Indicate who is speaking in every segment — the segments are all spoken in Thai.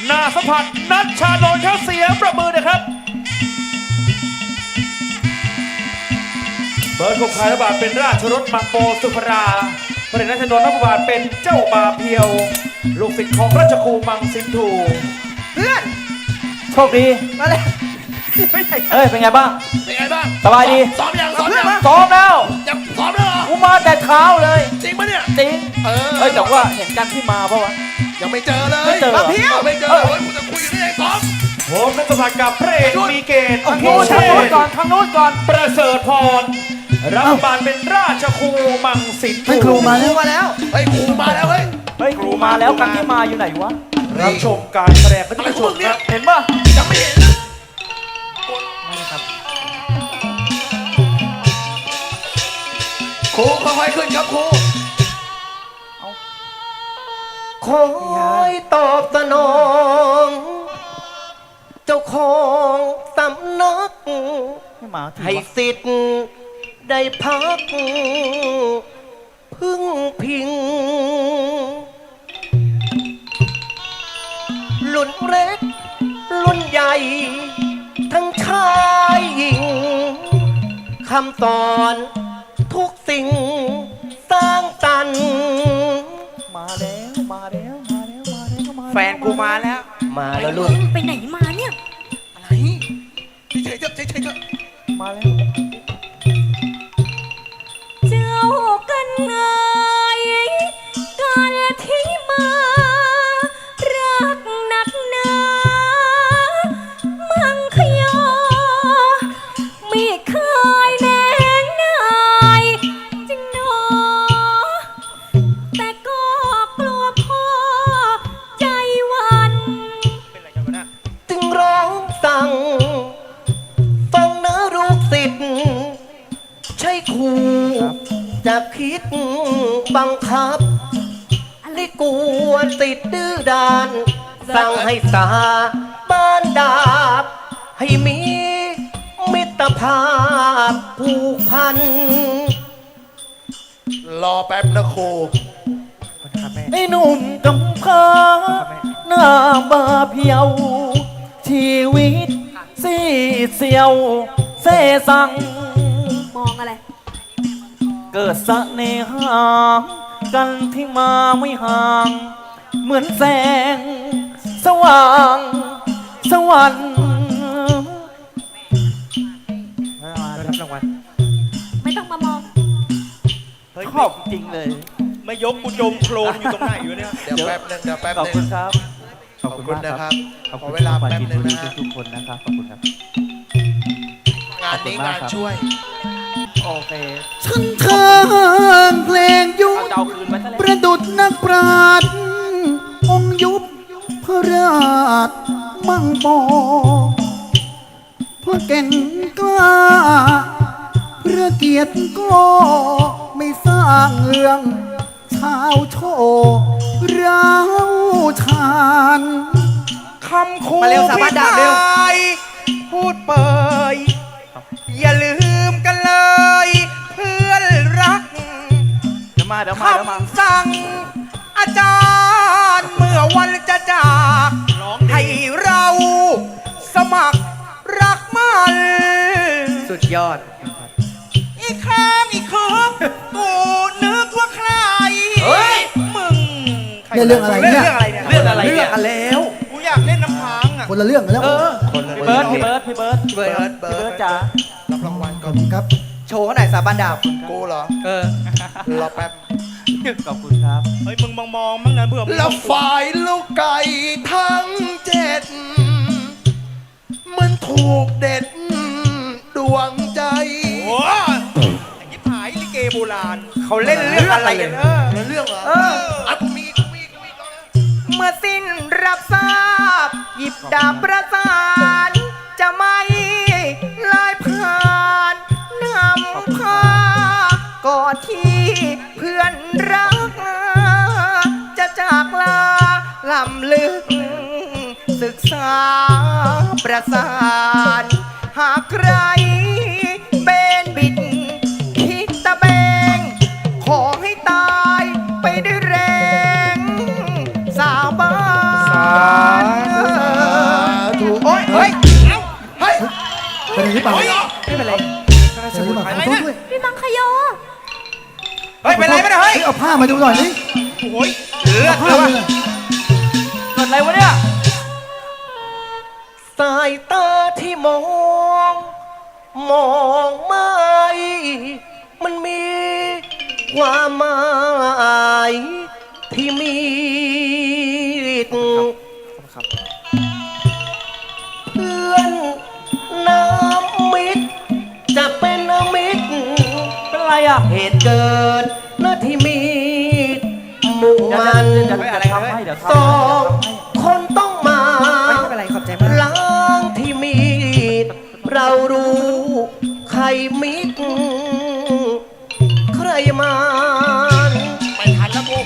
Speaker 1: นาสัมผัสนัชชาโนนเขาเสียงประมือนะครับเบิร์ดคงคายระบาดเป็นราชรถมังโปสุภราพระเดชนัชนนท์นพบาทเป็นเจ้าบาเพียวลูกศิษย์ของราชครูมังสินทู
Speaker 2: เพื่อน
Speaker 3: โชคดี
Speaker 2: มาเลย
Speaker 3: เอ้ยเป็นไงบ้าง
Speaker 4: เป็นไงบ้าง
Speaker 3: สบายดี
Speaker 4: ซ้อมยังซ้อมยัง
Speaker 3: ซ้อมแล้ว
Speaker 4: ยังซ้อมแล้วเหรอ
Speaker 3: กูมาแต่เช้าเลย
Speaker 4: จริงปะเนี่ย
Speaker 3: จริงเฮ้ยแต่ว่าเห็นกันที่มาเพราะว่า
Speaker 4: ยังไม่เจอเลย
Speaker 3: ไม่เจอ
Speaker 4: เพี้ยวไม่เจอเลยคุณจะคุยอยู่ได้ไงซ้อม
Speaker 1: ผมนักสัมผัสกับพระเอกมีเกต
Speaker 3: ทางโน้นก่อนทางโน้นก่อน
Speaker 1: ประเสริฐพรรับบาลเป็นราชครูมังสินทู
Speaker 2: ครูมาแล้ว
Speaker 4: เฮ้ยครูมาแล้วเฮ้ย
Speaker 3: ครูมาแล้วกันที่มาอยู่ไหนวะ
Speaker 1: รับชมการแสดงกันทุกคนครับ
Speaker 3: เห็นป่ะ
Speaker 4: ยังไม่เห็นครูค่อยๆขึ้นครับครู
Speaker 2: คอยตอบสนองเจ้าของสำนักให้สิทธิ์ได้พักพึ่งพิงรุ่นเล็กรุ่นใหญ่ทั้งชายหญิงคำสอนทุกสิ่งสร้างสรรค์
Speaker 3: มาแล้ว
Speaker 2: แฟนกูมาแล้วลูก
Speaker 5: ไปไหนมาเนี่ย
Speaker 4: อะไรเฉยๆเถอะเฉยๆเถอะ
Speaker 3: มาแล้ว
Speaker 5: เจ้ากันไงการที่มารักหนักหนามังคยอไม่เคยแน่นายจริงหนอแต่ก็กลัวพ่อใจวัน
Speaker 2: จึงร้องสั่งฟังนะลูกศิษย์ใช่ครูจะคิดบังคับลิกวนติดดื้อดานสั่งให้สาบ้านดาบให้มีมิตรภาพผูกพัน
Speaker 4: รอแป๊บนะครู
Speaker 3: ไอ้หนุ่มกำพร้าหน้าบาเพียวชีวิตซีเซียวเสสัง
Speaker 5: มองอะไร
Speaker 3: เกิดเสน่หากันที่มาไม่ห่างเหมือนแสงสว่างสวรรค์
Speaker 1: รับรางวัล
Speaker 5: ไม่ต้องมามอง
Speaker 3: ชอบจริงเลย
Speaker 1: ไม่ยกกูจมโคลนอยู่ตรงไหนอยู่เนี่ย
Speaker 4: เดี๋ยวแป๊บนึง
Speaker 3: ขอบคุณครับ
Speaker 4: ขอบคุณนะครับขอเวลาแป๊บนึงนะ
Speaker 3: ทุกคนนะครับขอบคุณครับ
Speaker 4: งานนี้งานช่วย
Speaker 3: โอเค
Speaker 2: ฉันทางเพลงยุบประดุจนักปราชญ์องยุบพระราชมั่งปอพระเก่งกล้าพระเกียรติก็ไม่สร้างเมืองชาวโชว์ร้าวชานคำคูพิพายพูดเปยอย่าลืมกันเลยเพื่อนรักคำสั่งอาจารย์เมื่อวันจะจากให้เราสมัครรักมันสุดยอดอีกครั้งอีกคืนกูนึกว่าใครมึงเรื่องอะไรเนี่ยเรื่องอะไรแล้วกูอยากเล่นน้ำค้างอ่ะคนละเรื่องกันแล้ว
Speaker 3: พี่เบิร์ดจ๋า
Speaker 4: รับรางวัลก่อน
Speaker 2: ครับโชว์เขาหน่อยสาบานดาบ
Speaker 4: กูเหรอรอแป๊บ
Speaker 3: ขอบคุณครับ
Speaker 1: เฮ้ยมึงมองมั้งนะเพื่อ
Speaker 4: แล้วฝ่ายลูกไก่ทั้ง7มันถูกเด็ดดวงใจ
Speaker 1: โอ้อย่างนี้หายลิเกโบราณเขาเล่นเรื่องอะไรกัน
Speaker 4: เรื่องเหรอกูมี
Speaker 2: เมื่อสิ้นรับทราบหยิบดาบประสานจะไม่ลายผ่านนำพาก่อนที่เพื่อนรักจะจากลาลำลึกศึกษาประสานหากใครเบนบิดคิดตะเบงขอให้ตายไปด้วยแรงสาบานผ้ามาดูหน่อยดิ
Speaker 1: โอ้ยเลือด
Speaker 2: ผ้า
Speaker 1: เล
Speaker 2: มาย เลย
Speaker 3: เกิดอะไรวะเนี่ย
Speaker 4: สายตาที่มองไม่มันมีความหมายที่มีเพื่อนน้ำมิตรจะเป็นมิตร
Speaker 3: เป็นไรอ่ะ
Speaker 4: เหตุเกิดณที่มีมุ่งมัน
Speaker 3: เดี๋ยวทำให้เดี๋ยว
Speaker 4: ส
Speaker 3: ทำ
Speaker 4: อ
Speaker 3: ให้
Speaker 4: งคนต้องมา
Speaker 6: ไม่เป็นไรขอบใจมาก
Speaker 4: ล้างที่มีดเรารู้ใครมิดใครมันไม่ทันแล้วกู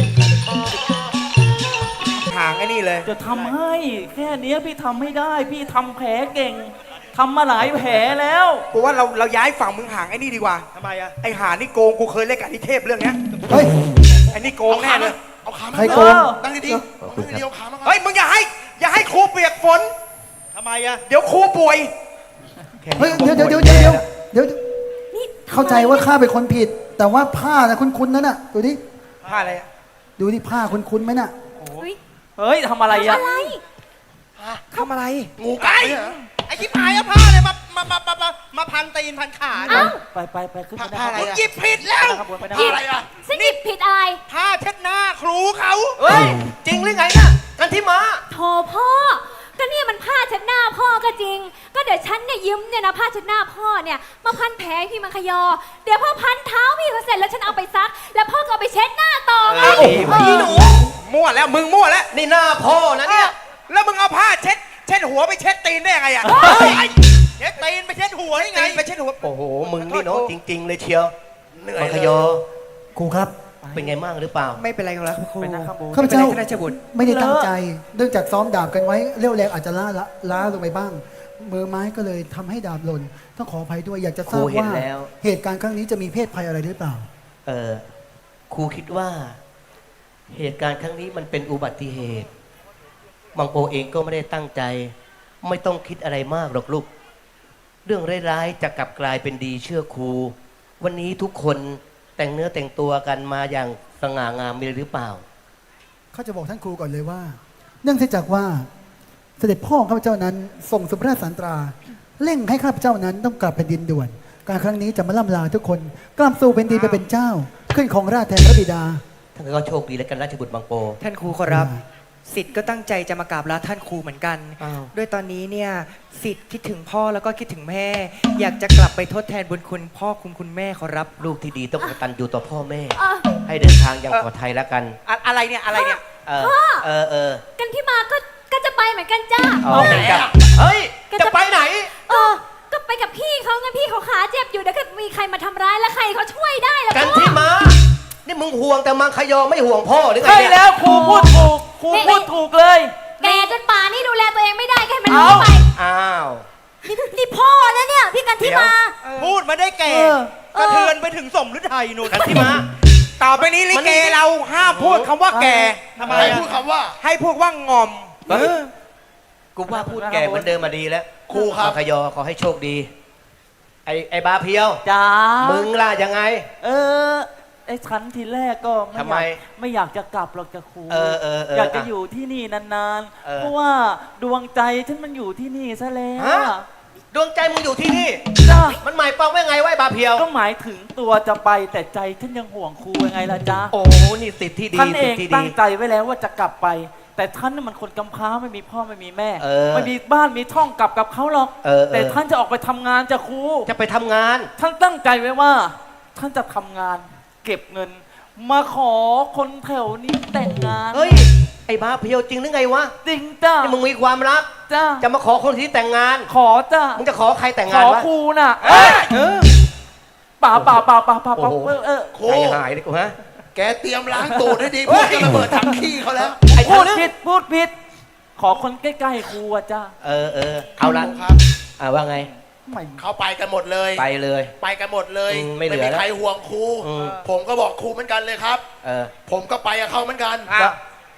Speaker 4: ห่างไอ้นี่เลย
Speaker 3: จะทำให้แค่เนี้ยพี่ทำไม่ได้ พี่ทำแผลเก่งทำมาหลายแผลแล้ว
Speaker 7: กูว่าเราย้ายฝั่งมึงห่างไอ้นี่ดีกว่าทำไมอะไอ้หานี่โกงกูเคยเล่นกับนิเทพเรื่องเนี้ย
Speaker 2: เฮ้ย
Speaker 7: ไอ้นี่โกงแน่เลย
Speaker 4: เอาขามา
Speaker 2: ใครโกง
Speaker 7: ตั้งดีๆ
Speaker 4: ขอบคุณครับ
Speaker 7: เอาขามาเฮ้ยมึงอย่าให้ครูเปียกฝนทำไมอะเดี๋ยวครูป่วย
Speaker 2: เฮ้ยเดี๋ยว
Speaker 5: นี่
Speaker 2: เข้าใจว่าข้าเป็นคนผิด แต่ว่าผ้านะคุ้นๆนั่นน่ะดูดิ
Speaker 7: ผ้าอะไรอะ
Speaker 2: ดูดิผ้าคุ้นๆไหมน่ะ
Speaker 5: เฮ้ย
Speaker 3: เฮ้ยทำอะไร
Speaker 5: ทำ
Speaker 3: อ่ะ
Speaker 5: อะไร
Speaker 6: ทำอะไร
Speaker 7: งูกัดไหมเหรอไอ้ที่พายเอาผ้าเลยมาพันตีนพันขา
Speaker 5: เอ้า
Speaker 3: ไปขึ้นไปได้
Speaker 7: ผ้าอะไร
Speaker 3: ครับ
Speaker 7: หยิบผิดแล้ว
Speaker 3: ข้างบนไปได้
Speaker 7: ผ้าอะไรอะ
Speaker 5: ฉันหยิบผิดอะไร
Speaker 7: ผ้าเช็ดหน้าครูเขา
Speaker 4: เฮ้ย จริงหรือไงน่ะกันที่มา
Speaker 5: โถพ่อ ก็เนี่ยมันผ้าเช็ดหน้าพ่อก็จริง ก็เดี๋ยวฉันเนี่ยยืมเนี่ยนะผ้าเช็ดหน้าพ่อเนี่ยมาพันแผลให้พี่มังคยอ เดี๋ยวพ่อพันเท้าพี่เขาเสร็จแล้วฉันเอาไปซัก แล้วพ่อก็เอาไปเช็ดหน้าต่อไง
Speaker 7: พี่หนูมั่วแล้วมึงมั่วแล้ว
Speaker 4: นี่หน้าพ่อนะเนี่ย
Speaker 7: แล้วมึงเอาผ้าเช็ดหัวไปเช็ดตีนได้ยังไงอะเช็ดตีนไปเช็ดหัวได้ไงไปเช็ดหัว
Speaker 4: โอ้โห มึงนี่เนาะจริง ๆ เลยเชียว
Speaker 7: เหนื่อย
Speaker 4: มังค
Speaker 7: เลย
Speaker 4: ยอ
Speaker 2: ครูครับ
Speaker 4: เป็นไงมั่งหรือเปล่า
Speaker 6: ไม่เป็นไรครับครู
Speaker 3: ไปนั่งข้างบน
Speaker 2: ข้าพเจ้า
Speaker 6: ไม่เป็นไรท่านราชบุตร
Speaker 2: ไม่ได้ตั้งใจ เนื่องจากซ้อมดาบกันไว้เรี่ยวแรงอาจจะล้าลงไปบ้าง มือไม้ก็เลยทำให้ดาบหล่น ต้องขออภัยด้วย อยากจะทราบ
Speaker 4: ครูเห็น
Speaker 2: ว่า
Speaker 4: แล้ว
Speaker 2: เหตุการณ์ครั้งนี้จะมีเพศภัยอะไรหรือเปล่า
Speaker 4: ครูคิดว่า เหตุการณ์ครั้งนี้มันเป็นอุบัติเหตุมังโปเองก็ไม่ได้ตั้งใจ ไม่ต้องคิดอะไรมากหรอกลูก เรื่องร้ายๆจะกลับกลายเป็นดีเชื่อครู วันนี้ทุกคนแต่งเนื้อแต่งตัวกันมาอย่างสง่างามมีหรือเปล่า
Speaker 2: เขาจะบอกท่านครูก่อนเลยว่า เนื่องจากว่าเสด็จพ่อข้าพเจ้านั้นส่งสุพระราชสันตราเร่งให้ข้าพเจ้านั้นต้องกลับแผ่นดินด่วน การครั้งนี้จะมาล่ำลาทุกคนกลับสู่แผ่นดินไปเป็นเจ้า ขึ้นของราชย์แทนพระบิดา
Speaker 4: ท่านก็โชคดีแล้วกันราชบุตรบางโป
Speaker 6: ท่านครูขอรับสิทธิ์ก็ตั้งใจจะมากราบลาท่านครูเหมือนกัน
Speaker 4: อ้าว
Speaker 6: ด้วยตอนนี้เนี่ยสิทธิ์คิดถึงพ่อแล้วก็คิดถึงแม่ อยากจะกลับไปทดแทนบุญคุณพ่อคุณแม่ขอรับ
Speaker 4: ลูกที่ดีต้องกตัญญูต่อพ่อแม่
Speaker 5: เออ
Speaker 4: ให้เดินทางอย่างปลอดภัยแล้วกัน
Speaker 7: อะไรเนี่ยอะไรเนี่ย
Speaker 4: เออ
Speaker 5: พ่อกันที่มาก็จะไปเหมือนกันจ้า
Speaker 4: เอาเหมือนกันเฮ้ย จะไปไหน
Speaker 5: ก็ไปกับพี่เขาไงพี่เขาขาเจ็บอยู่เดี๋ยวก็มีใครมาทำร้ายแล้วใครเขาช่วยได้ล่ะ
Speaker 4: กัน
Speaker 5: พ่อ
Speaker 4: ที่มา นี่มึงห่วงแต่มังคยอไม่ห่วงพ่อหรือไง
Speaker 3: ใช่
Speaker 4: เนี่ย
Speaker 3: แล้วครูพูดถูกครูพูดถูกเลย
Speaker 5: แกจนป่านนี่ดูแลตัวเองไม่ได้แค่มัน
Speaker 3: เอ้า
Speaker 5: รู้ไป
Speaker 4: อ้าว
Speaker 5: นี่พ่อนะเนี่ยพี่กันที่มา
Speaker 7: พูดมาได้แก่
Speaker 3: เออ
Speaker 7: กระเทือนไปถึงสมฤทัยนู่น
Speaker 4: กันที่มา
Speaker 7: ต่อไปนี้ลิเกเราห้ามพูดคำว่าแก่ทำไม
Speaker 4: ให้
Speaker 7: อะ
Speaker 4: พูดคำว่า
Speaker 7: ให้พูดว่างอม
Speaker 4: กูว่าพูดแก่เหมือนเดิมมาดีแล้ว
Speaker 7: ครูครับ
Speaker 4: มังคยอขอให้โชคดี ไอ้บาเพียว
Speaker 3: จ้า
Speaker 4: มึงล่ะยังไง
Speaker 3: ไอ้ฉันทีแรกก็
Speaker 4: ทำไม
Speaker 3: ไม่อยากจะกลับหรอกจะครู
Speaker 4: เออ
Speaker 3: อยากจะอยู่ที่นี่นาน
Speaker 4: เออ
Speaker 3: ๆ เพราะว่าดวงใจฉันมันอยู่ที่นี่ซะแล้ว
Speaker 4: ฮะ ดวงใจมึงอยู่ที่นี่
Speaker 3: จ้า
Speaker 4: มันหมายความว่าไงวะไอ้บาเพียว
Speaker 3: ก็หมายถึงตัวจะไปแต่ใจฉันยังห่วงครูยังไงล่ะจ๊ะ
Speaker 4: โอ้นี่สิทธิ์ที่ดี
Speaker 3: ท่านเอ
Speaker 4: สิท
Speaker 3: ง
Speaker 4: ธิ์ที่
Speaker 3: ตั้
Speaker 4: ดี
Speaker 3: งใจไว้แล้วว่าจะกลับไป แต่ท่านน่ะมันคนกำพร้าไม่มีพ่อไม่มีแม่
Speaker 4: เออ
Speaker 3: ไม่มีบ้านมีช่องกลับกับเขาหรอก แต่ท่านจะออกไปทำงานจะครู
Speaker 4: จะไปทำงาน
Speaker 3: ท่านตั้งใจไว้ว่า ท่านจะทำงาน เก็บเงิน มาขอคนแถวนี้แต่งงาน
Speaker 4: เฮ้ย ไอ้บาเพียวจริงหรือไงวะ
Speaker 3: จริงจ้า
Speaker 4: นี่มึงมีความรัก
Speaker 3: จ้า
Speaker 4: จะมาขอคนที่แต่งงาน
Speaker 3: ขอจ้า
Speaker 4: มึงจะขอใครแต่ง
Speaker 3: ข
Speaker 4: งาน
Speaker 3: อ
Speaker 4: วะ
Speaker 3: ครูน่ะ ป่า
Speaker 4: โอ้โห ใจหายเลยกูฮะ
Speaker 8: แกเตรียมล้างตูดให้ดีเพื่อจะระเบิดถังขี้เขาแล้ว
Speaker 4: ไอ้
Speaker 3: พู
Speaker 4: พู
Speaker 3: ด
Speaker 4: ด
Speaker 3: ผิดพูดผิด ขอคนใกล้ๆครูอะจ้า
Speaker 4: เอาละ
Speaker 8: ครับ
Speaker 4: ว่าไง
Speaker 3: ไม่
Speaker 8: เขาไปกันหมดเลย
Speaker 4: ไปเลย
Speaker 8: ไปกันหมดเลย
Speaker 4: ไม่เหลือ
Speaker 8: มี
Speaker 4: แล้ว
Speaker 8: ใครห่วงครู
Speaker 4: อืม
Speaker 8: ผมก็บอกครูเหมือนกันเลยครับ
Speaker 4: เออ
Speaker 8: ผมก็ไปกับเขาเหมือนกัน
Speaker 7: อ้าว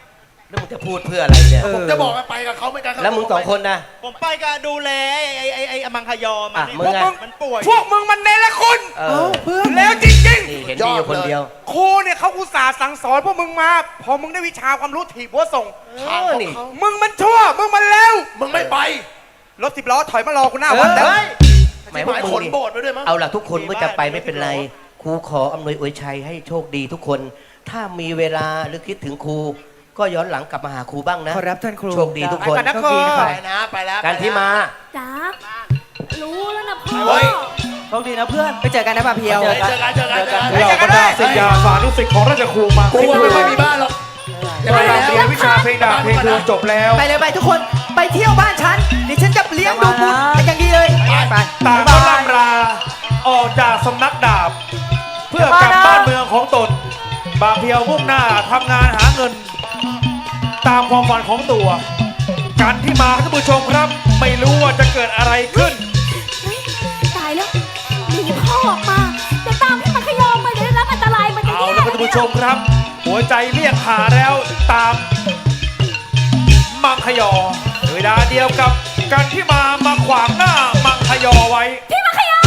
Speaker 4: แล้วมึงจะพูดเพื่ออะไรเนี่ย
Speaker 8: ผมจะบอกว่าไปกับเขาไม่กัน
Speaker 4: แล้วมึงสองคนนะ
Speaker 7: ผมไปก็ดูแลไอ้อมังคยอมัน
Speaker 4: อ่ะ
Speaker 7: นี่
Speaker 4: มึงอะ
Speaker 7: มันป่วย
Speaker 1: พวกมึงมันเนรคุณ
Speaker 4: เออ
Speaker 3: เพื่อน
Speaker 1: แล้วจริง
Speaker 4: นี่เห็นมีอยู่คนเดียว
Speaker 7: ครูเนี่ยเขาอุตส่าห์สั่งสอนพวกมึงมา พอมึงได้วิชาความรู้ถีบหัวส่ง
Speaker 4: เออนี่
Speaker 1: มึงมันชั่ว มึงมันเลว
Speaker 8: มึงไม่ไป
Speaker 7: รถ10 ล้อถอยมารอกูหน้าวัดแล้ว
Speaker 4: เฮ้ยหมาย
Speaker 8: ห
Speaker 4: ว่า
Speaker 8: มาย
Speaker 4: มึ
Speaker 8: ข
Speaker 4: ง
Speaker 8: น
Speaker 4: นี่
Speaker 8: โบสถ์ไปด้วยมั้ง
Speaker 4: เอาล่ะทุกคนเมื่อจะไปไม่เป็นไร ครูขออำนวยอวยชัยให้โชคดีทุกคน ถ้ามีเวลาหรือคิดถึงครู ก็ย้อนหลังกลับมาหาครูบ้างนะ
Speaker 3: ขอรับท่านครู
Speaker 4: โชคดีทุกคน
Speaker 7: ไปก่อนนะ
Speaker 3: โชคดีนะค
Speaker 8: ไป
Speaker 3: รับ
Speaker 8: นะไปแล้ว
Speaker 4: การที่มา
Speaker 5: จ๋ารู้แล้วนะพ่อ
Speaker 8: เฮ้ย
Speaker 3: โชคดีนะเพื่อน ไปเจอกันนะบาเพียว
Speaker 8: เจอกันเจอกันเจอกัน
Speaker 1: เหล่าบรรดาศิษยาสานุศิษย์ของราชครูมา
Speaker 8: กูว่าไม่ค่อยมีบ้านหรอกจะไป
Speaker 1: เรี
Speaker 8: แล้ว
Speaker 1: ยนวิชาเพลงดาบเพลงทวนจบแล้ว
Speaker 3: ไปเลยไปทุกคน ไปเที่ยวบ้านฉันเดี๋ยวฉันจะเลี้ยงดูบุญเป็นอย่างดีเลย ไป
Speaker 1: ต่างก็ล่ำลาออกจากสำนักดาบ เพื่อกลับบ้านเมืองของตน บางเพียวมุ่งหน้าทำงานหาเงิน ตามความฝันของตัว การที่มาท่านผู้ชมครับ ไม่รู้ว่าจะเกิดอะไรขึ้น
Speaker 5: เฮ้ยตายแล้วหนีพ่อออกมาแต่ตามพี่มังคยอมมาเดี๋ยวได้รับอันตรายมันจะ
Speaker 1: เอา
Speaker 5: แย่
Speaker 1: ละครับท่านผู้ชมครับ หัวใจเรียกหาแล้วตามมังคยอเวลาเดียวกับการที่มาขวางหน้ามังคยอไว้
Speaker 5: พี่มังคยอ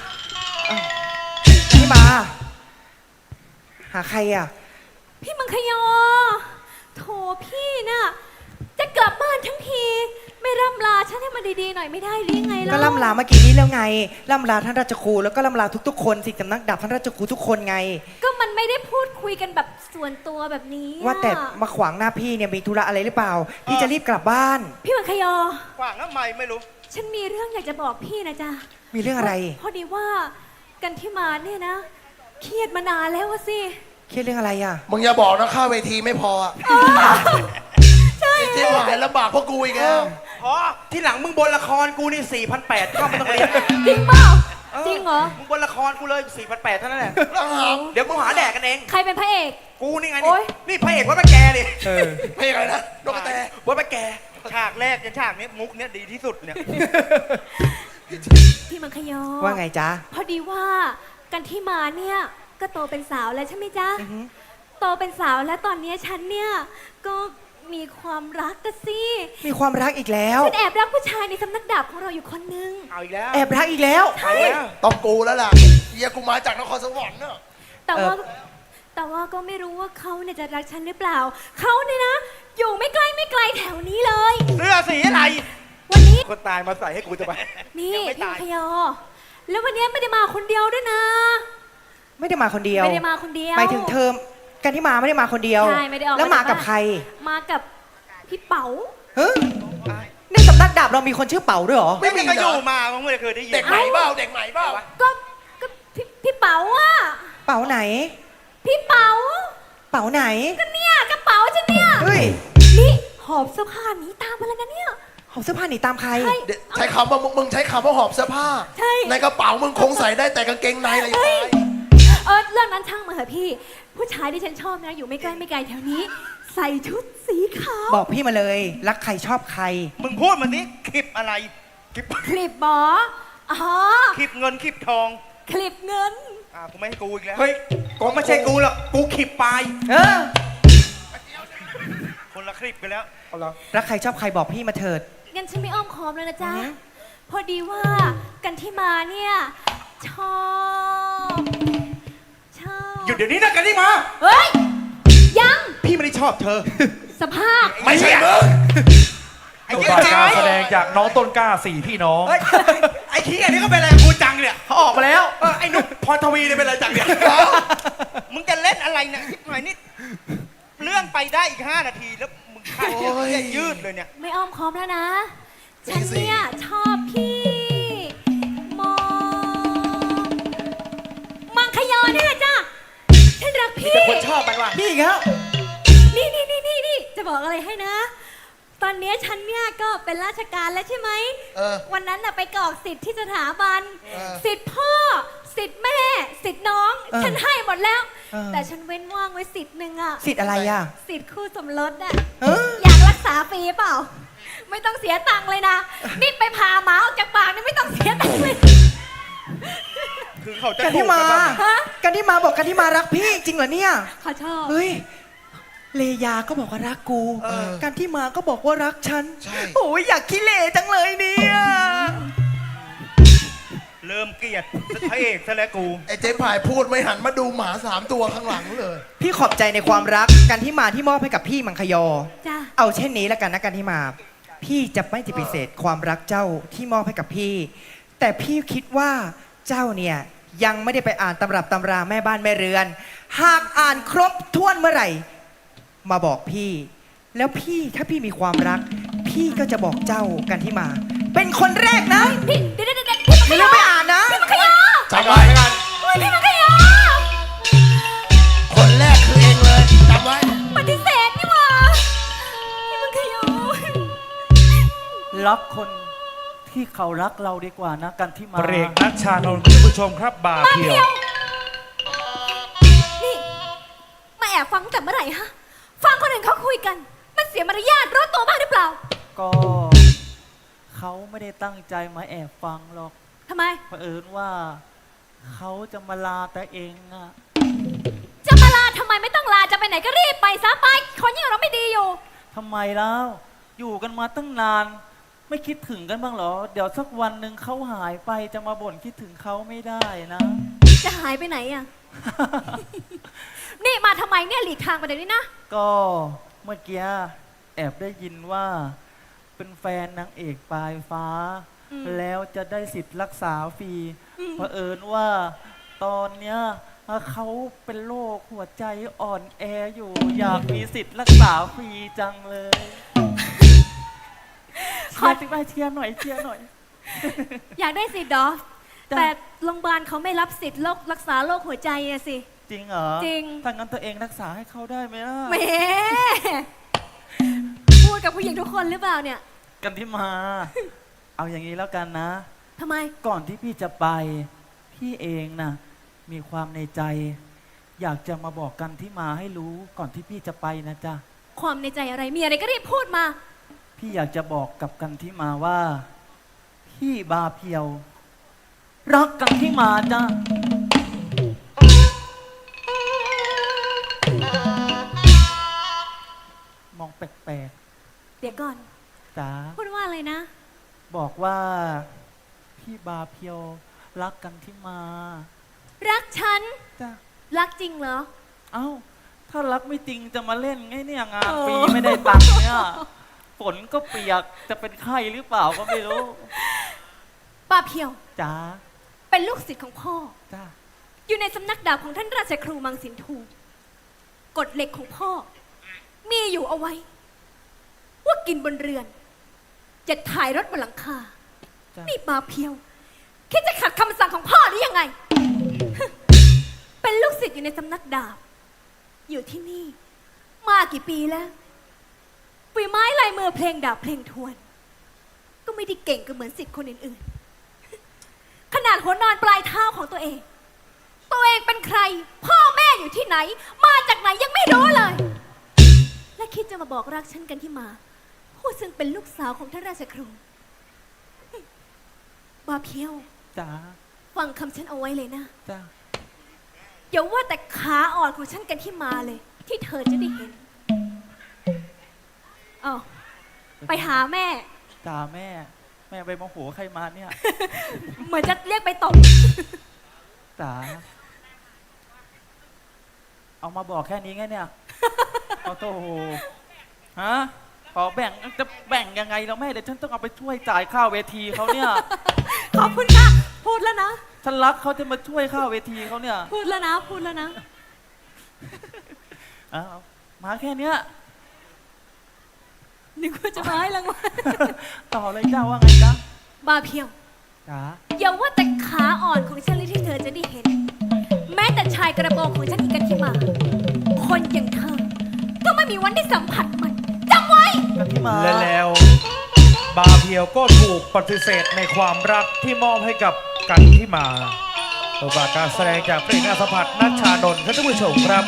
Speaker 3: พี่มา หาใครอ่ะ
Speaker 5: พี่มังคยอโถพี่น่ะจะกลับบ้านทั้งทีไม่ร่ำลาฉันให้มันดีๆหน่อยไม่ได้หรือยังไงล่ะ
Speaker 3: ก็ล่ำลาเมื่อกี้นี้แล้วไง ล่ำลาท่านราชครูแล้วก็ล่ำลาทุกๆคนสิสำนักดาบท่านราชครูทุกคนไง
Speaker 5: ก็มันไม่ได้พูดคุยกันแบบส่วนตัวแบบนี้อะ
Speaker 3: ว่าแต่มาขวางหน้าพี่เนี่ยมีธุระอะไรหรือเปล่า พี่จะรีบกลับบ้าน
Speaker 5: พี่มังคยอ
Speaker 7: ขวางทำไมไม่รู้
Speaker 5: ฉันมีเรื่องอยากจะบอกพี่นะจ๊ะ
Speaker 3: มีเรื่องอะไร
Speaker 5: พอดีว่ากันที่มาเนี่ยนะ เครียดมานานแล้วอะสิ
Speaker 3: เครียดเรื่องอะไรอ่ะ
Speaker 8: มึงอย่าบอกนะค่าเวทีไม่พออะ
Speaker 5: ใช่
Speaker 8: ที่หายลำบากเพราะกูอีกแล้ว
Speaker 7: อ๋อ ที่หลังมึงบนละครกูนี่ 4,800เข้าไม่ต้องเรียน
Speaker 5: จริงเปล่าจริงเหรอ
Speaker 7: มึงบนละครกูเลย 4,800เท่านั้นแหละ
Speaker 8: แล้วหาม
Speaker 7: เดี๋ยวกูหาแดกกันเอง
Speaker 5: ใครเป็นพระเอก
Speaker 7: กูนี่ไง
Speaker 5: โอ๊
Speaker 7: นี่
Speaker 5: ย
Speaker 7: นี่พระเอกว่าไปแกดิ
Speaker 8: เพลงอะไรนะนกกระแต
Speaker 7: ว่าไปแก ฉากแรกจนฉากนี้มุกเนี้ยดีที่สุดเนี่ย
Speaker 5: พี่มังคยอ
Speaker 3: ว่าไงจ๊ะ
Speaker 5: พอดีว่ากันที่มาเนี่ยก็โตเป็นสาวแล้วใช่ไหมจ๊ะ
Speaker 3: อือฮึ
Speaker 5: โตเป็นสาวแล้วตอนนี้ฉันเนี่ยก็มีความรักกันสิ
Speaker 3: มีความรักอีกแล้ว
Speaker 5: ฉันแอบรักผู้ชายในสำนักดาบของเราอยู่คนนึง
Speaker 7: เอาอีกแล้ว
Speaker 3: แอบรักอีกแล้ว
Speaker 5: ใช่
Speaker 8: ต้องกูแล้วล่ะเฮียกูมาจากนครสวรรค์เนอะ
Speaker 5: แต่ว่าก็ไม่รู้ว่าเขาเนี่ยจะรักฉันหรือเปล่าเขาเนี่ยนะอยู่ไม่ไกลแถวนี้เลย
Speaker 7: เสื้อสีอะไร
Speaker 5: วันนี้
Speaker 7: คนตายมาใส่ให้กูจะไป
Speaker 5: นี่
Speaker 7: ยังไม่
Speaker 5: พี่
Speaker 7: ตาย
Speaker 5: มังคยอ แล้ววันนี้ไม่ได้มาคนเดียวด้วยนะ
Speaker 3: ไม่ได้มาคนเดียว
Speaker 5: ไม่ได้มาคนเดียว
Speaker 3: หมายถึงเทอมกันที่มาไม่ได้มาคนเดียว
Speaker 5: ใช่ไม่ได้ออก
Speaker 3: แล้วมากับใคร
Speaker 5: มากับพี่เป๋า
Speaker 3: เฮ้ยในสำนักดาบเรามีคนชื่อเป๋าด้วยเหรอ
Speaker 7: ไม่มีก็อยู่มามึงไม่เคยได้ยิน
Speaker 8: เด็กใหม่เปล่าเด็กใหม่เปล่า
Speaker 5: ก็พี่เป๋าอะ
Speaker 3: เป๋าไหน
Speaker 5: พี่เป๋า
Speaker 3: เป๋าไหน
Speaker 5: ก็เนี่ยกระเป๋าฉันเนี่ย
Speaker 3: เฮ้ย
Speaker 5: นี่หอบเสื้อผ้าหนีตามมาแล้วนะเนี่ย
Speaker 3: หอบเสื้อผ้าหนีตามใคร
Speaker 5: ใช่
Speaker 8: ใช้คำว่ามึงใช้คำว่าหอบเสื้อผ้า
Speaker 5: ใช่
Speaker 8: ในกระเป๋ามึงคงใส่ได้แต่กางเกงในอะไรอย่าง
Speaker 5: เฮ้ย
Speaker 8: เงี้ย
Speaker 5: เรื่องนั้นช่างมาเถอะพี่ ผู้ชายที่ฉันชอบนะอยู่ไม่ไกลแถวนี้ ใส่ชุดสีขาว
Speaker 3: บอกพี่มาเลย รักใครชอบใคร
Speaker 7: มึงพูดมานี้คลิปอะไรคลิป
Speaker 5: คลิปบออ๋อ
Speaker 7: คลิปเงินคลิปทอง
Speaker 5: คลิปเงิน
Speaker 7: กูไม่ให้กูอีกแล้ว
Speaker 1: เฮ้ย
Speaker 7: กูไม่ใช่กูหรอกกูคลิปปลาย
Speaker 3: เออ
Speaker 7: คนละคลิปกันแล้ว
Speaker 3: รักใครชอบใครบอกพี่มาเถิด
Speaker 5: งั้นฉันไม่อ้อมค้อมแล้วนะจ๊ะ
Speaker 3: อือฮึ
Speaker 5: พอดีว่ากันที่มาเนี่ยชอบ
Speaker 7: หยุดเดี๋ยวนี้นะกันที่มา
Speaker 5: เฮ้ย ยัง
Speaker 7: พี่ไม่ได้ชอบเธอ
Speaker 5: สภาพ
Speaker 8: ไม่ใช่มึง
Speaker 7: ไอ้
Speaker 1: จบ
Speaker 7: เหี้ย
Speaker 1: การ
Speaker 7: ไอ้
Speaker 1: แสดงจากน้องต้นกล้าสี่พี่น้อง
Speaker 7: ไอ้ขี้อันนี้ก็เป็นอะไรกับกูจังเนี่ย
Speaker 3: เขาออกมาแล้ว
Speaker 7: ไอ้นุ๊กพรทวีเนี่ยเป็นอะไรจังเนี่ยมึงจะเล่นอะไรเนี่ยชิบหายนี่เรื่องไปได้อีก5 นาทีแล้วมึงขาดเนี่ยยืดเลยเนี่ย
Speaker 5: ไม่อ้อมค้อมแล้วนะ ฉันเนี่ยชอบพี่มอมังคยอนี่แหละจ้ะ ฉันรักพี่
Speaker 7: แต่คนชอบมันว่ะ
Speaker 3: พี่อีกแล้ว
Speaker 5: นี่จะบอกอะไรให้นะ ตอนนี้ฉันเนี่ยก็เป็นราชการแล้วใช่ไหม
Speaker 8: เออ
Speaker 5: วันนั้นน่ะไปกรอกสิทธิ์ที่สถาบัน
Speaker 8: เออ
Speaker 5: สิทธิ์พ่อ สิทธิ์แม่ สิทธิ์น้อง
Speaker 3: เออ
Speaker 5: ฉันให้หมดแล้ว
Speaker 3: เออ
Speaker 5: แต่ฉันเว้นว่างไว้สิทธิ์หนึ่งอะ
Speaker 3: สิทธิ์อะไรอ่ะ
Speaker 5: สิทธิ์คู่สมรสอะ
Speaker 3: เออ
Speaker 5: อยากรักษาฟรีเปล่า ไม่ต้องเสียตังค์เลยนะ นี่ไปพาหมาออกจากปากนี่ไม่ต้องเสียตังค์เลย
Speaker 7: คือเขาจะ
Speaker 3: กันที่มา
Speaker 5: ฮะ
Speaker 3: กันที่มาบอกกันที่มารักพี่จริงเหรอเนี่ย
Speaker 5: ขอชอบ
Speaker 3: เฮ้ย
Speaker 6: เลยาก็บอกว่ารักกู
Speaker 8: เออ
Speaker 6: การที่มาก็บอกว่ารักฉัน
Speaker 8: ใช่
Speaker 6: โอ้ยอยากขี้เหร่จังเลยเนี่ย
Speaker 7: เริ่มเกลียดพระเอกซะแล้วกู
Speaker 8: ไอ้เจ๊พายพูดไม่หันมาดูหมา3 ตัวข้างหลังเลย
Speaker 6: พี่ขอบใจในความรักการที่มาที่มอบให้กับพี่มังคยอ
Speaker 5: จ้า
Speaker 6: เอาเช่นนี้แล้วกันนะการที่มา พี่จะไม่ปฏิเสธความรักเจ้าที่มอบให้กับพี่ แต่พี่คิดว่าเจ้าเนี่ยยังไม่ได้ไปอ่านตำรับตำราแม่บ้านแม่เรือน หากอ่านครบถ้วนเมื่อไหร่ มาบอกพี่ แล้วพี่ถ้าพี่มีความรัก พี่ก็จะบอกเจ้ากันที่มา เป็นคนแรกนะ
Speaker 5: พี่เดี๋ยวพี่มังค
Speaker 6: ไม่
Speaker 5: ย
Speaker 6: ลื
Speaker 5: อ
Speaker 6: มไปอ่านนะ
Speaker 5: พี่มังคยอ
Speaker 8: จำไว้
Speaker 5: โอ้ยพี่มังคยอ
Speaker 8: คนแรกคือเองเลยจำไว้
Speaker 5: ปฏิเสธนี่หว่าพี่มังคยอ
Speaker 3: รักคนที่เขารักเราดีกว่านะกันที่มา
Speaker 1: เบรกนัชชานนท์คุณผู้ชมครับบาเพียว
Speaker 5: นี่มาแอบฟังแต่เมื่อไหร่ฮะ ฟังคนอื่นเขาคุยกัน มันเสียมารยาทรู้ตัวบ้างหรือเปล่า
Speaker 3: ก็เขาไม่ได้ตั้งใจมาแอบฟังหรอก
Speaker 5: ทำไม
Speaker 3: เผอิญว่าเขาจะมาลาแต่เองอะ
Speaker 5: จะมาลาทำไมไม่ต้องลาจะไปไหนก็รีบไปซะไป คนอย่างเราไม่ดีอยู่
Speaker 3: ทำไมแล้ว อยู่กันมาตั้งนาน ไม่คิดถึงกันบ้างเหรอ เดี๋ยวสักวันหนึ่งเขาหายไปจะมาบ่นคิดถึงเขาไม่ได้นะ
Speaker 5: จะหายไปไหนอ่ะ นี่มาทำไมเนี่ยหลีกทางไปเดี๋ยวนี้นะ
Speaker 3: ก็เมื่อกี้แอบได้ยินว่าเป็นแฟนนางเอกปลายฟ้า
Speaker 5: อืม
Speaker 3: แล้วจะได้สิทธิ์รักษาฟรีเผอิญว่าตอนเนี้ยเขาเป็นโรคหัวใจอ่อนแออยู่ อยากมีสิทธิ์รักษาฟรีจังเลยเชียร์ติ๊กไปเชียร์หน่อยเชียร์หน่อย
Speaker 5: อยากได้สิทธิ์เหรอ
Speaker 3: จ้ะ
Speaker 5: แต่โรงพยาบาลเขาไม่รับสิทธิ์โรครักษาโรคหัวใจอะสิ
Speaker 3: จริงเหรอ
Speaker 5: จริง
Speaker 3: ถ้างั้นตัวเองรักษาให้เขาได้ไหมล่ะ
Speaker 5: แหมพูดกับผู้หญิงทุกคนหรือเปล่าเนี่ย
Speaker 3: กันที่มา เอาอย่างนี้แล้วกันนะ
Speaker 5: ทำไม
Speaker 3: ก่อนที่พี่จะไป พี่เองนะมีความในใจ อยากจะมาบอกกันที่มาให้รู้ก่อนที่พี่จะไปนะจ๊ะ
Speaker 5: ความในใจอะไรมีอะไรก็รีบพูดมา
Speaker 3: พี่อยากจะบอกกับกันที่มาว่า พี่บาเพียว รักกันที่มาจ้ะมองแปลก
Speaker 5: เดี๋ยวก่อน
Speaker 3: ๆจ๋า
Speaker 5: พูดว่าอะไรนะ
Speaker 3: บอกว่า พี่บาเพียว รักกันที่มา
Speaker 5: รักฉัน
Speaker 3: จ้ะ
Speaker 5: รักจริงเหรอ
Speaker 3: เอ้า ถ้ารักไม่จริงจะมาเล่นไงเนี่ยงาน
Speaker 5: โอ้
Speaker 3: ฟรีไม่ได้ตังค์เนี่ยฝนก็เปียกจะเป็นไข้หรือเปล่าก็ไม่รู้
Speaker 5: ป้าเพียว
Speaker 3: จ๋า
Speaker 5: เป็นลูกศิษย์ของพ่อ
Speaker 3: จ้า
Speaker 5: อยู่ในสำนักดาบของท่านราชครูมังสินทูกฎเหล็กของพ่อ มีอยู่เอาไว้ ว่ากินบนเรือน จะถ่ายรถบนหลังคา
Speaker 3: จ้า
Speaker 5: นี่ป้าเพียวคิดจะขัดคำสั่งของพ่อหรือยังไง เป็นลูกศิษย์อยู่ในสำนักดาบ อยู่ที่นี่ มากี่ปีแล้วฝีไม้ลายมือเพลงดาบเพลงทวน ก็ไม่ได้เก่งก็เหมือนศิษย์คนอื่นๆ ขนาดหัวนอนปลายเท้าของตัวเอง ตัวเองเป็นใคร พ่อแม่อยู่ที่ไหน มาจากไหนยังไม่รู้เลย และคิดจะมาบอกรักฉันกันที่มา ผู้ซึ่งเป็นลูกสาวของท่านราชครูบาเพียว
Speaker 3: จ๋า
Speaker 5: ฟังคำฉันเอาไว้เลยนะ
Speaker 3: จ้า
Speaker 5: อย่าว่าแต่ขาอ่อนของฉันกันที่มาเลย ที่เธอจะได้เห็นเอาไปหาแม่
Speaker 3: จ๋าแม่ไปโมโหใครมาเนี่ย
Speaker 5: เหมือนจะเรียกไปตบ
Speaker 3: จ๋าเอามาบอกแค่นี้ไงเนี่ยเอาโตโหฮะขอแบ่งจะแบ่งยังไงเราแม่เดี๋ยวฉันต้องเอาไปช่วยจ่ายค่าเวทีเขาเนี่ย
Speaker 5: ขอบคุณค่ะ พูดแล้วนะ
Speaker 3: ฉันรักเขาจะมาช่วยค่าเวทีเขาเนี่ย
Speaker 5: พูดแล้วนะ พูดแล้วนะ
Speaker 3: เอามาแค่เนี้ย
Speaker 5: นึกว่าจะมาให้รางวัล
Speaker 3: ต่อเลยเจ้าว่าไงจ๊ะ
Speaker 5: บาเพียว
Speaker 3: จ๋า
Speaker 5: อย่าว่าแต่ขาอ่อนของฉันเลยที่เธอจะได้เห็น แม้แต่ชายกระโปรงของฉันอีกกันที่มา คนอย่างเธอ ก็ไม่มีวันได้สัมผัสมันจำไว้
Speaker 3: กันที่มา
Speaker 1: และแล้ว บาเพียวก็ถูกปฏิเสธในความรักที่มอบให้กับกันที่มาตัวบาการแสดงจากเพลงอาสาพัฒนัชชานนท์ท่านผู้ชมครับ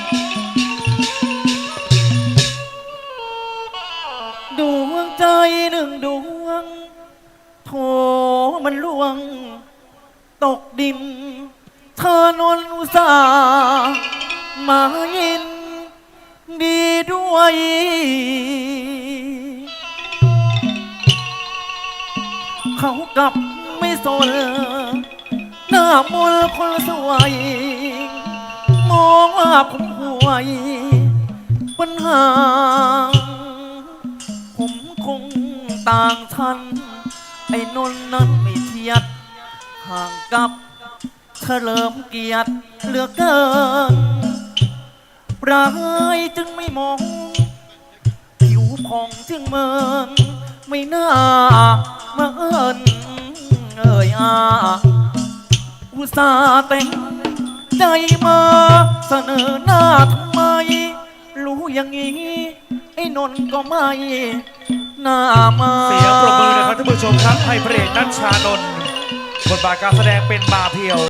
Speaker 3: ดวงใจหนึ่งดวงโถมันล่วง ตกดิน เธอนนอุตส่าห์มายินดีด้วย เขากลับไม่สนหน้ามนต์คนสวยมองว่าผมห่วยปัญหาผมคงต่างชั้นไอ้นนท์นั้นไม่เทียดห่างกับเฉลิมเกียรติเหลือเกินปลายจึงไม่มองผิวผ่องจึงเมินไม่น่ามาเอิญอุตส่าห์แต่งใจมาเสนอหน้าทำไมรู้อย่างนี้ไอ้นนท์ก็ไม่น่ามา
Speaker 1: เสียงปรบมือนะครับท่านผู้ชมครับให้พระเอกนัชชานนท์บทบาทการแสดงเป็นมาเพียว